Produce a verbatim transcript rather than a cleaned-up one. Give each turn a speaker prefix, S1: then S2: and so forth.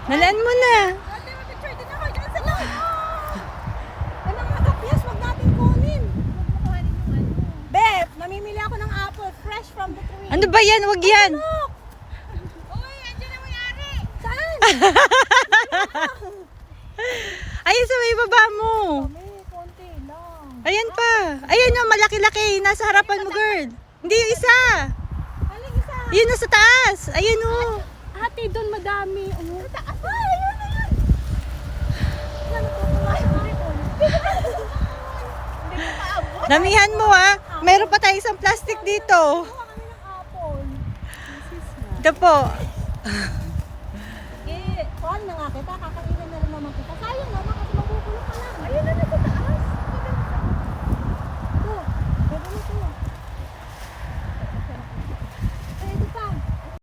S1: Nalaan mo na.
S2: Ate, mag-picture din ako dyan sa loob. Anong makapyas? Huwag natin kunin. Huwag mo kuhanin yung ano. Beb, namimili ako ng apple fresh from the tree.
S1: Ano ba yan? Wag yan.
S2: Look! Uy, andyan na may-ari. Saan?
S1: Ayun sa may baba mo.
S2: Kami, konti lang.
S1: Ayan pa. Ayan yung malaki-laki. Nasa harapan mo, girl. Hindi yung isa.
S2: Aling isa.
S1: Yun nasa taas. Ayan o.
S2: Ate, doon madami. Ano? Sa taas. Ah, ayun na yun. Yan, natutuwa yung apple. Hindi ko paabot.
S1: Damihan mo ha. Meron pa tayo isang plastic dito.
S2: Kuha kami ng apple.
S1: Ito po.
S2: Eh, kuhan na nga kita. Kakailan na rin naman kita.